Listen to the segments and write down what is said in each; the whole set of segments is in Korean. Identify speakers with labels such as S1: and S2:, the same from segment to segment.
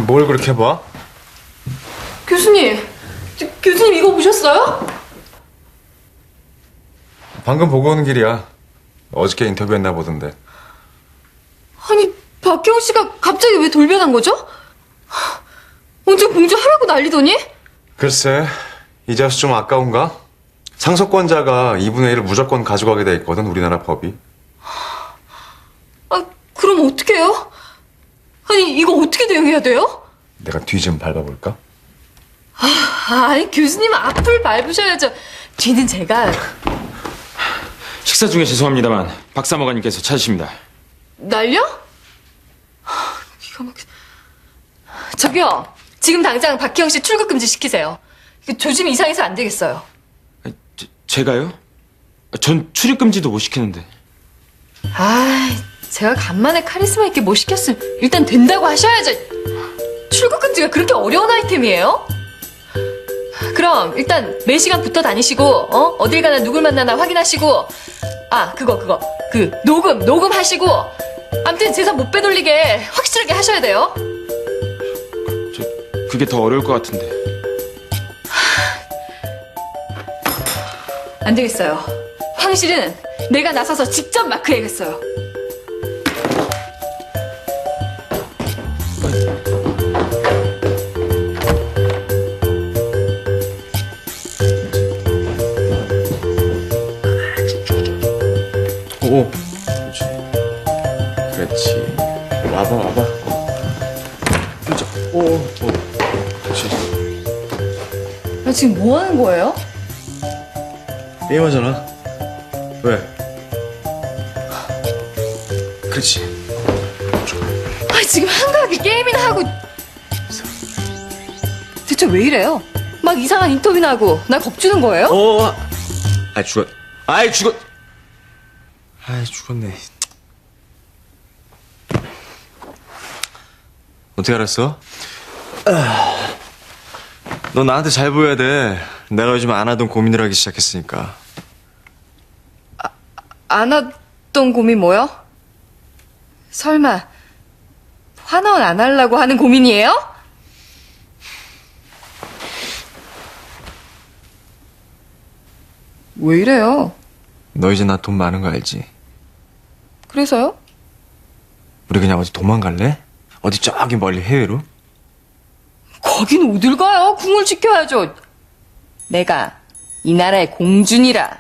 S1: 뭘 그렇게 봐?
S2: 교수님, 교수님 이거 보셨어요?
S1: 방금 보고 오는 길이야. 어저께 인터뷰했나 보던데.
S2: 아니, 박혜영 씨가 갑자기 왜 돌변한 거죠? 언제 공주하라고 난리더니?
S1: 글쎄, 이제와서 좀 아까운가? 상속권자가 2분의 1을 무조건 가져가게 돼 있거든, 우리나라 법이.
S2: 아, 그럼 어떡해요? 아니, 이거 어떻게 대응해야 돼요?
S1: 내가 뒤 좀 밟아볼까?
S2: 아니, 교수님 앞을 밟으셔야죠. 뒤는 제가...
S3: 식사 중에 죄송합니다만 박 사무관님께서 찾으십니다.
S2: 날려? 기가 막혀. 저기요, 지금 당장 박혜영 씨 출국 금지 시키세요. 조짐 이상해서 안 되겠어요.
S3: 제가요? 전 출입 금지도 못 시키는데.
S2: 아, 제가 간만에 카리스마 있게 못 시켰으면 일단 된다고 하셔야죠. 출국 금지가 그렇게 어려운 아이템이에요? 그럼 일단 매시간 붙어 다니시고 어딜 가나 누굴 만나나 확인하시고 그 녹음하시고 아무튼 재산 못 빼돌리게 확실하게 하셔야 돼요.
S3: 그게 더 어려울 것 같은데.
S2: 안 되겠어요. 황실은 내가 나서서 직접 마크해야겠어요.
S1: 오. 그렇지. 와봐. 그렇죠. 오. 그렇지.
S2: 나 지금 뭐 하는 거예요?
S1: 게임하잖아. 왜? 그렇지.
S2: 아, 지금 한가하게 게임이나 하고. 대체 왜 이래요? 막 이상한 인터뷰나 하고 날 겁주는 거예요?
S1: 죽었네. 어떻게 알았어? 너 나한테 잘 보여야 돼. 내가 요즘 안 하던 고민을 하기 시작했으니까.
S2: 안 하던 고민 뭐요? 설마 환원 안 하려고 하는 고민이에요? 왜 이래요?
S1: 너 이제 나 돈 많은 거 알지?
S2: 그래서요?
S1: 우리 그냥 어디 도망갈래? 어디 저기 멀리 해외로?
S2: 거긴 어딜 가요? 궁을 지켜야죠. 내가 이 나라의 공주니라.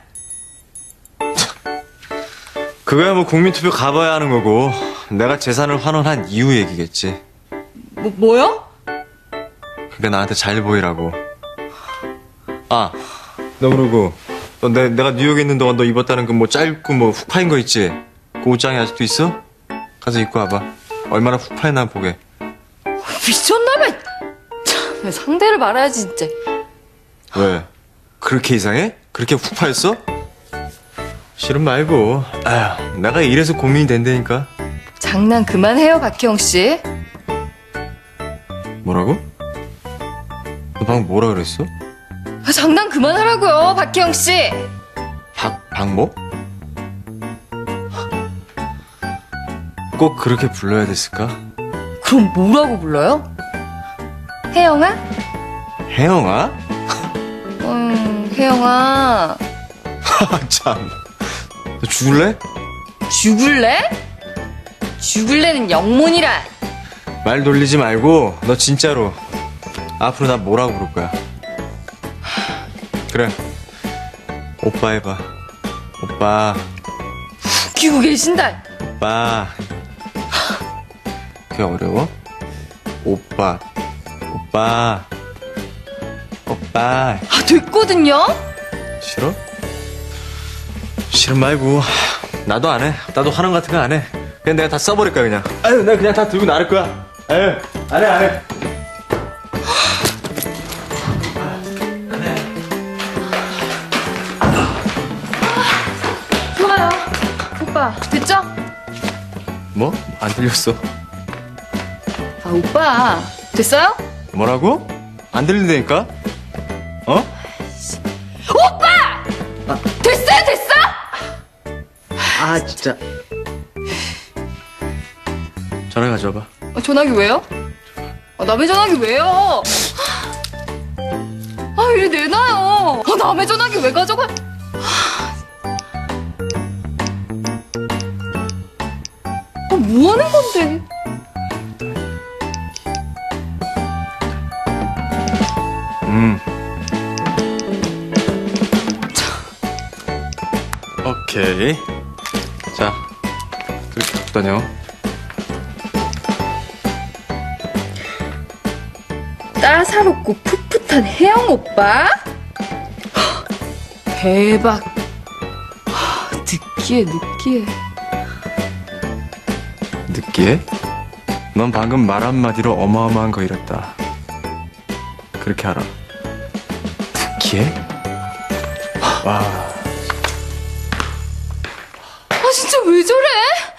S1: 그거야 뭐 국민투표 가봐야 하는 거고 내가 재산을 환원한 이후 얘기겠지.
S2: 뭐요?
S1: 그러니까 나한테 잘 보이라고. 너 그러고 너 내가 뉴욕에 있는 동안 너 입었다는 그 뭐 짧고 뭐 훅 파인 거 있지? 그 옷장이 아직도 있어? 가서 입고 와봐. 얼마나 훅 파였나 보게.
S2: 미쳤나봐. 참, 상대를 말아야지 진짜.
S1: 왜? 그렇게 이상해? 그렇게 훅 파였어? 싫은 말고. 아휴, 내가 이래서 고민이 된다니까.
S2: 장난 그만해요, 박혜영 씨.
S1: 뭐라고? 너 방금 뭐라 그랬어?
S2: 장난 그만하라고요, 박혜영 씨.
S1: 박모? 꼭 그렇게 불러야 됐을까?
S2: 그럼 뭐라고 불러요? 혜영아?
S1: 혜영아?
S2: 혜영아.
S1: 참. 너 죽을래?
S2: 죽을래? 죽을래는 영문이라.
S1: 말 돌리지 말고 너 진짜로 앞으로 나 뭐라고 부를 거야? 그래. 오빠 해봐. 오빠.
S2: 웃기고 계신다.
S1: 오빠. 그게 어려워? 오빠. 오빠. 오빠.
S2: 됐거든요?
S1: 싫어? 싫은 말고. 나도 안 해. 나도 환원 같은 거 안 해. 그냥 내가 다 써버릴 거야, 그냥. 아유, 내가 그냥 다 들고 나를 거야. 아유, 안 해.
S2: 좋아요. 오빠, 됐죠?
S1: 뭐? 안 들렸어.
S2: 오빠. 됐어요?
S1: 뭐라고? 안 들린다니까? 어?
S2: 오빠! 됐어요, 됐어?
S1: 진짜. 전화 가져와봐.
S2: 전화기 왜요? 남의 전화기 왜요? 이리 내놔요. 남의 전화기 왜 가져가? 뭐 하는 건데?
S1: 오케이. 자, 그렇게 갖고 다녀.
S2: 따사롭고 풋풋한 혜영 오빠? 대박. 느끼해.
S1: 느끼해? 넌 방금 말 한마디로 어마어마한 거 잃었다. 그렇게 알아. 느끼해? 와.
S2: 진짜 왜 저래?